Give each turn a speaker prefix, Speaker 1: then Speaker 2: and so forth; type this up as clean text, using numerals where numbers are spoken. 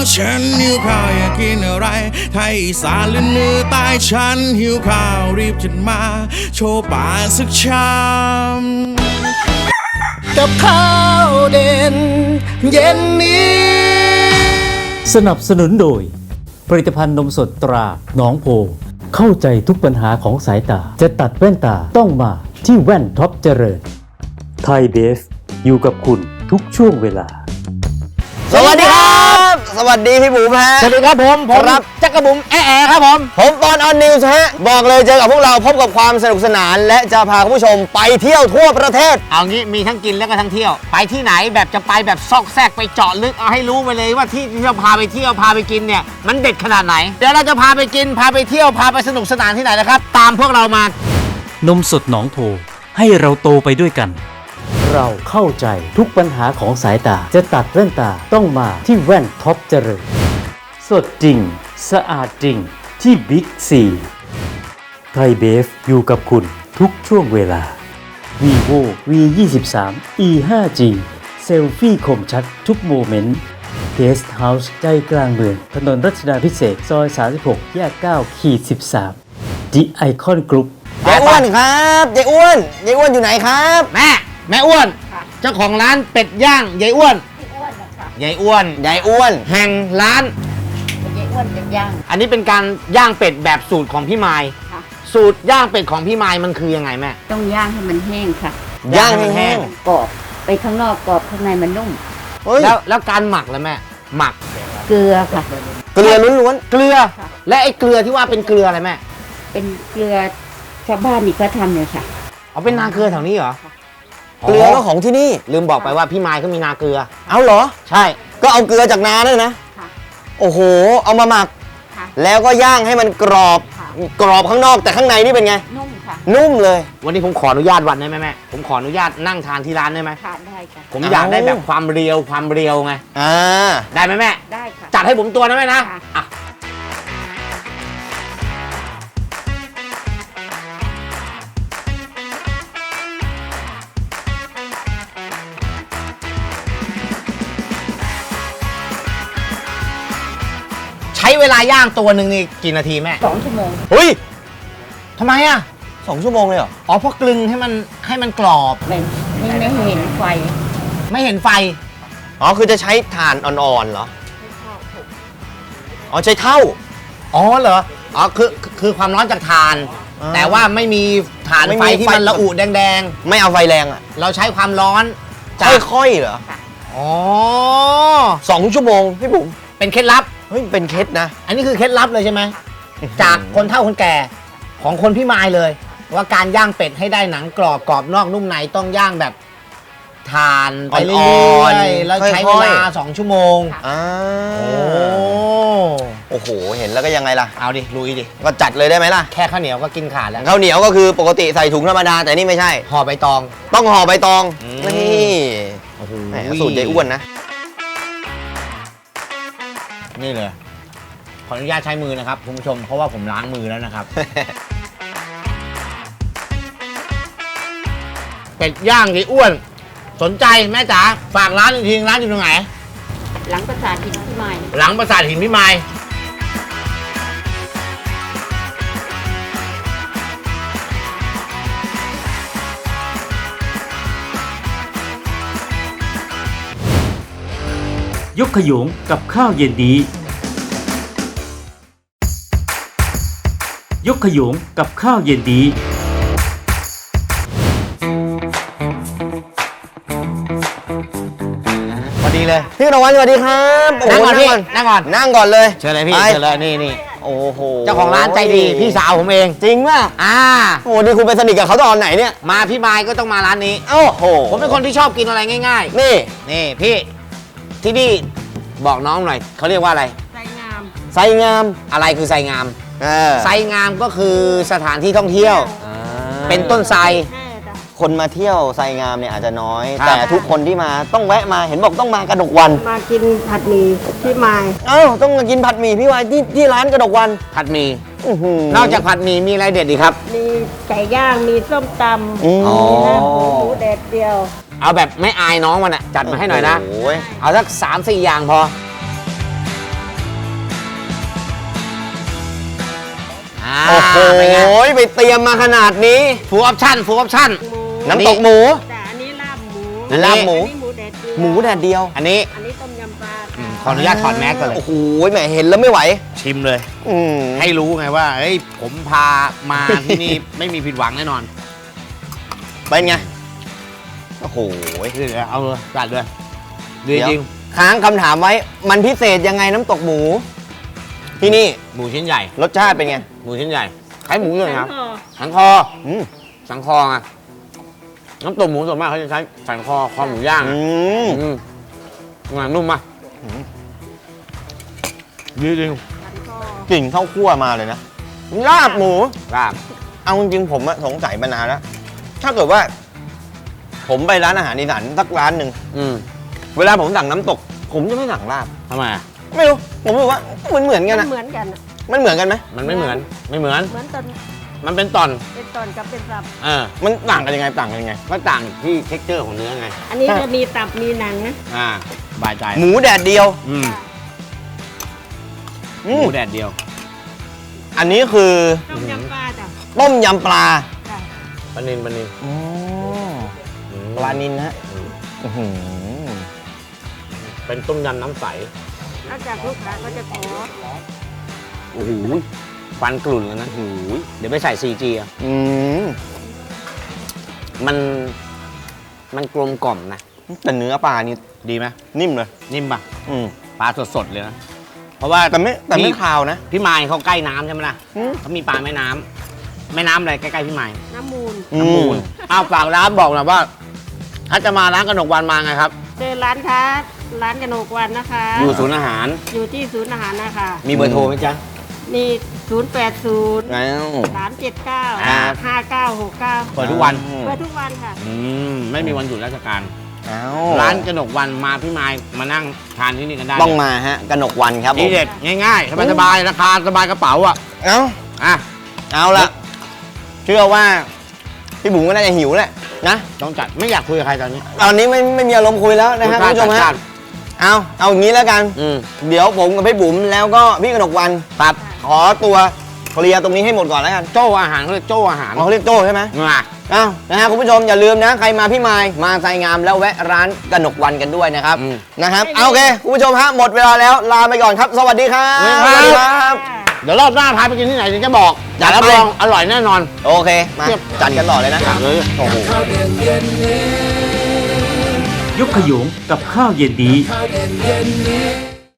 Speaker 1: ฉันหิวข้าวอยากกินอะไรไทยอีสานหรือเหนือใต้ฉันหิวข้าวรีบจัดมาโชว์ป่ากสักชามกับข้าวเด่นเย็นนี้
Speaker 2: สนับสนุนโดยผลิตภัณฑ์นมสดตราหนองโพเข้าใจทุกปัญหาของสายตาจะตัดแว่นตาต้องมาที่แว่นท็อปเจริญไทยเบฟอยู่กับคุณทุกช่วงเวลา
Speaker 3: สวัสดีครับสวัสดีพี่บุ๋มฮะ
Speaker 4: สวัสดีครับผม
Speaker 3: ครับ
Speaker 4: จักรบุ๋มแอะครับผม
Speaker 3: ปอนออนนิวส์ฮะบอกเลยเจอกับพวกเราพบกับความสนุกสนานและจะพาคุณผู้ชมไปเที่ยวทั่วประเทศ
Speaker 4: เอางี้มีทั้งกินแล้วก็ทั้งเที่ยวไปที่ไหนแบบจะไปแบบซอกแซกไปเจาะลึกเอาให้รู้ไปเลยว่าที่เราพาไปเที่ยวพาไปกินเนี่ยมันเด็ดขนาดไหนเดี๋ยวเราจะพาไปกินพาไปเที่ยวพาไปสนุกสนานที่ไหนนะครับตามพวกเรามาน
Speaker 2: มสดหนองโพให้เราโตไปด้วยกันเราเข้าใจทุกปัญหาของสายตาจะตัดแว่นตาต้องมาที่แว่นท็อปเจริญสดจริงสะอาดจริงที่บิ๊กซีไทยเบฟอยู่กับคุณทุกช่วงเวลา vivo V23 e 5G เซลฟี่คมชัดทุกโมเมนต์เกสต์เฮาส์ใจกลางเมืองถนนรัชดาภิเษกซอย36แยก9-13 The Icon Group
Speaker 3: ยายอ้วนครับยายอ้วนอยู่ไหนครับ
Speaker 4: แม่อ้วนเจ้าของร้านเป็ดย่างยายอ้วนยายอ้วนแห่งร้าน
Speaker 5: ยายอ้วนเป็ดย่าง
Speaker 4: อันนี้เป็นการย่างเป็ดแบบสูตรของพี่ไมล์สูตรย่างเป็ดของพี่ไมล์มันคือยังไงแม่
Speaker 5: ต้องย่างให้มันแห้งค่ะ
Speaker 3: ย่างให้แห้ง
Speaker 5: กรอบไปข้างนอกกรอบข้างในมันนุ่ม
Speaker 4: แล้วการหมักล่ะแม่หมัก
Speaker 5: เกลือค่ะ
Speaker 3: เกลือล้วน
Speaker 4: ๆเกลือและไอ้เกลือที่ว่าเป็นเกลืออะไรแม่
Speaker 5: เป็นเกลือชาวบ้านนี่ก็ทำเนี่ยค่ะ
Speaker 4: เอาเป็นนาเกลือแถวนี้เหรอ
Speaker 3: เกลือก็ของที่นี่
Speaker 4: ลืมบอกไปว่าพี่ไมล์ก็มีนาเกลือ
Speaker 3: เอาเหรอ
Speaker 4: ใช่
Speaker 3: ก็เอาเกลือจากนาด้วยนะโอ้โหเอามาหมักแล้วก็ย่างให้มันกรอบข้างนอกแต่ข้างในนี่เป็นไง
Speaker 5: นุ่มค่ะ
Speaker 3: นุ่มเลย
Speaker 4: วันนี้ผมขออนุญาตวันได้ไหมแม่ผมขออนุญาตนั่งทานที่ร้านได้ไหม
Speaker 5: ได้ค่ะ
Speaker 4: ผมอยากได้แบบความเรียวไงได้ไหมแม่
Speaker 5: ได้ค่ะ
Speaker 4: จัดให้ผมตัวนะแม่นะใช้เวลาย่างตัวหนึ่งนี่กี่นาทีแม่
Speaker 5: 2 ชั่วโมง
Speaker 4: เฮ้ยทำไมอ่ะ
Speaker 3: 2 ชั่วโมงเลยเหรอ
Speaker 4: อ๋อเพราะกลึงให้มันกรอบ
Speaker 5: ไม่เห็นไฟ
Speaker 4: ไม่เห็นไฟ
Speaker 3: อ๋อคือจะใช้ถ่านอ่อนๆเหรออ๋อใช้เท่า
Speaker 4: อ๋อเหรออ๋อคือความร้อนจากถ่านแต่ว่าไม่มีถ่านไฟที่มันระอุแดง
Speaker 3: ๆไม่เอาไฟแรงอ่ะ
Speaker 4: เราใช้ความร้อน
Speaker 3: ค่อยๆเหรอ
Speaker 4: อ๋อ
Speaker 3: 2 ชั่วโมงพี่บุ๋ม
Speaker 4: เป็นเคล็ดลับ
Speaker 3: เฮ้ยเป็นเคล็ดนะ
Speaker 4: อันนี้คือเคล็ดลับเลยใช่ไหมจากคนเฒ่าคนแก่ของคนพี่ไมล์เลยว่าการย่างเป็ดให้ได้หนังกรอบนอกนุ่มในต้องย่างแบบทานไปเรื่อยๆแล้วใช้เวลา2 ชั่วโมง
Speaker 3: โอ้โหเห็นแล้วก็ยังไงล่ะ
Speaker 4: เอาดิลุยดิ
Speaker 3: ก็จัดเลยได้ไหมล่ะ
Speaker 4: แค่ข้าวเหนียวก็กินขาดแล้ว
Speaker 3: ข้าวเหนียวก็คือปกติใส่ถุงธรรมดาแต่นี่ไม่ใช่
Speaker 4: ห่อใบตอง
Speaker 3: ต้องห่อใบตองนี่สูตรยายอ้วนนะ
Speaker 4: นี่เลยขออนุญาตใช้มือนะครับคุณผู้ชมเพราะว่าผมล้างมือแล้วนะครับ เป็ดย่างยายอ้วนสนใจแม่จ๋าฝากร้านอีกทีร้านอยู่ตรงไหน
Speaker 5: หลังปราสาทหินพี่ไมล์
Speaker 4: หลังปราสาทหินพี่ไมล์
Speaker 2: ยกขยงกับข้าวเย็นดียกขยงกับข้าวเย็นดี
Speaker 4: พอดีเลย
Speaker 3: พี่นวัลสวัสดีครับ
Speaker 4: นั่งก่อนพี่นั่ง
Speaker 3: ก่อนเลย
Speaker 4: เชิญเลยพี่เชิญเลยนี่
Speaker 3: โอ้โห
Speaker 4: เจ้าของร้านใจดีพี่สาวผมเอง
Speaker 3: จริงป่ะโอ้นี่คุณไปสนิทกับเขาตอนไหนเนี่ย
Speaker 4: มาพี่ไมล์ก็ต้องมาร้านนี้
Speaker 3: โอ้โห
Speaker 4: ผมเป็นคนที่ชอบกินอะไรง่าย
Speaker 3: ๆ
Speaker 4: นี่พี่ที่นี่บอกน้องหน่อยเขาเรียกว่าอะไร
Speaker 5: ไซง
Speaker 3: าม
Speaker 4: อะไรคือไซงามไซงามก็คือสถานที่ท่องเที่ยวเป็นต้นไทร
Speaker 3: คนมาเที่ยวไซงามเนี่ยอาจจะน้อยแต่ทุกคนที่มาต้องแวะมาเห็นบอกต้องมากระดกวัน
Speaker 5: มากินผัดหมี่พี่ไมล์
Speaker 3: ต้องมากินผัดหมี่พี่วายที่ร้านกระดกวัน
Speaker 4: ผัดหมี่นอกจากผัดหมี่มีอะไรเด็ดอีกครับ
Speaker 5: มีไก่ย่างมีส้มตำมีหมูแดดเดียว
Speaker 4: เอาแบบไม่อายน้องมันอ่ะจัดมาให้หน่อยนะเอาสัก3-4 อย่างพอ
Speaker 3: โอ้โห
Speaker 4: เป็นไง
Speaker 3: ไปเตรียมมาขนาดนี้
Speaker 4: ฟูลออปชั่นฟูลออปชั่น
Speaker 5: หมู
Speaker 3: น้ำตกหมู
Speaker 5: แต่อันนี้ลาบหมู
Speaker 3: ลาบหมู
Speaker 5: อันนี้หมูแดดเดียว
Speaker 3: หมูแดดเดียว
Speaker 4: อันนี้
Speaker 5: อันนี้ต้มยำปลา
Speaker 4: ขออนุญาตถอดแมสก่อนเลย
Speaker 3: โอ้โหแหมเห็นแล้วไม่ไหว
Speaker 4: ชิมเลย
Speaker 3: อืม
Speaker 4: ให้รู้ไงว่าเฮ้ยผมพามาที่นี่ ไม่มีผิดหวังแน่นอน
Speaker 3: เป็นไง โอ้โห
Speaker 4: เดี๋ยวเอาเลยจัดเลยดี
Speaker 3: เดี๋ยว
Speaker 4: จริง
Speaker 3: ค้างคำถามไว้ มันพิเศษยังไงน้ำตกหมู ที่นี่
Speaker 4: หมูชิ้นใหญ่
Speaker 3: รสชาติเป็นไง
Speaker 4: หมูชิ้นใหญ่คล้ายหมูเลยครับ
Speaker 5: ห่อ
Speaker 4: สันคอ
Speaker 3: อืม
Speaker 4: สันคอไงน้ำตกหมูส่วนมากเขาจะใช้สันคอคอหมูย่าง
Speaker 3: อืม
Speaker 4: งานนุ่มมากดีจริง
Speaker 5: สันคอก
Speaker 3: ลิ่นข้าวคั่วมาเลยนะ ลาบหมู
Speaker 4: ลาบ
Speaker 3: เอาจริงๆผมอะสงสัยมานานแล้ว ถ้าเกิดว่า ผมไปร้านอาหารอีสานสักร้านหนึ่ง เวลาผมสั่งน้ำตก ผมจะไม่สั่งลาบ
Speaker 4: ทำไมอะ
Speaker 3: ไม่รู้ ผมรู้สึกว่าเหมือนกัน
Speaker 5: มั
Speaker 3: อะ
Speaker 5: นเหมือนกันอะ
Speaker 3: มันเหมือนกันไหม
Speaker 4: มันไม่เหมือนไม่เหมือน
Speaker 5: เหมือนตอน
Speaker 4: มันเป็นตอน
Speaker 5: เป็นตอนกับเป็นตับ
Speaker 3: มันต่างกันยังไงต่างกันยังไง
Speaker 4: ก็ต่างที่เท็กเจอร์ของเนื้อไง
Speaker 5: อันนี้จะมีตับมีหนังนะ
Speaker 4: บายใจ
Speaker 3: หมูแดดเดียว
Speaker 4: อืม
Speaker 3: อื
Speaker 4: ห
Speaker 3: ม
Speaker 4: มูแดดเดียว
Speaker 3: อันนี้คือ
Speaker 5: ต้มยำปลาจ้ะ
Speaker 3: ต้มยำปลา
Speaker 5: จ้ะ
Speaker 4: ปลานินปลานิน
Speaker 3: อ๋อ
Speaker 4: อืม
Speaker 3: ปลานินนะฮะ
Speaker 4: อืม
Speaker 3: อื้อหือ
Speaker 4: เป็นต้มยำน้ำใส
Speaker 5: นอกจากลูกค้าก็จะขอ
Speaker 4: โอ้โหฟันกลุ่นแล้วนะโอ้โหเดี๋ยวไปใส่ CG อ่ะ
Speaker 3: อืม
Speaker 4: มันกลมกล่อมนะ
Speaker 3: แต่เนื้อปลานี่
Speaker 4: ดีไหม
Speaker 3: นิ่มเลย
Speaker 4: นิ่มป่ะ
Speaker 3: อืม
Speaker 4: ปลาสดๆเลยนะ เพราะว่า
Speaker 3: แต่ไม่
Speaker 4: พี่
Speaker 3: คาวนะ
Speaker 4: พี่มายเขาใกล้น้ำใช่ไหมล่ะ
Speaker 3: อืม
Speaker 4: เขามีปลาแม่น้ำแม่น้ำอะไรใกล้ๆพี่มาย
Speaker 5: น้ำมูล
Speaker 4: น้ำมูลอ้าวฝากร้านบอกหน่อยว่า ถ้าจะมาร้านกนกวันมาไงครับ
Speaker 5: เจอร้านค้าร้านกนกวันนะคะ
Speaker 4: อยู่ศูนย์อาหาร
Speaker 5: อยู่ที่ศูนย์อาหารนะคะ
Speaker 4: มีเบอร์โทรไหมจ๊ะ
Speaker 5: มี 080
Speaker 3: แล้ว
Speaker 5: 379
Speaker 4: อ่า
Speaker 5: 5969
Speaker 4: เปิดทุกวัน
Speaker 5: เปิดทุกวันค่ะ
Speaker 4: ไม่มีวันหยุดราชการ
Speaker 3: อ้าว
Speaker 4: ร้านกนกวันมาพี่มายมานั่งทานที่นี่กันได้
Speaker 3: ต้องมาฮะกนกวันครับผ
Speaker 4: ดี
Speaker 3: ม
Speaker 4: เด็ดง่ายๆสบายๆราคาสบายกระเป๋าอ่ะ
Speaker 3: เอ้า
Speaker 4: อ่ะ
Speaker 3: เอาละเชื่อว่า พี่บุ๋มก็น่าจะหิวแหละนะ
Speaker 4: ต้องจัดไม่อยากคุยกับใครตอนนี้
Speaker 3: ตอนนี้ไม่มีอารมณ์คุยแล้วนะฮะคุณผู้ชม
Speaker 4: จั
Speaker 3: ฮะ
Speaker 4: ด
Speaker 3: เอาอย่างนี้แล้วกัน
Speaker 4: อืม
Speaker 3: เดี๋ยวผมกับพี่บุ๋มแล้วก็พี่กนกวัน
Speaker 4: ครับ
Speaker 3: ขอตัวเคลียร์ตรงนี้ให้หมดก่อนแล้วกัน
Speaker 4: โจ้อาหารเขาเรียกโจ้อาหาร
Speaker 3: เขาเรียกโจ้ใช่ไหม
Speaker 4: มา
Speaker 3: อ้าวนะฮะคุณผู้ชมอย่าลืมนะ ใครมาพี่มายมาไซงามแล้วแวะร้านกนกวันกันด้วยนะครับนะครับเอาโอเคคุณผู้ชมฮะหมดเวลาแล้วลาไปก่อนครับ สวัสดีครับสวัสดีครับ
Speaker 4: เดี๋ยวรอบหน้าพาไปกินที่ไหนถึงจะบอก
Speaker 3: จัดไป
Speaker 4: รับรองอร่อยแน่นอน
Speaker 3: โอเคมาจัดกันต่อเลยนะ
Speaker 4: จัดเลย
Speaker 3: โอ้โห
Speaker 2: ยกขยงกับข้าวเย็นดี
Speaker 1: ข้าวเย็นนี้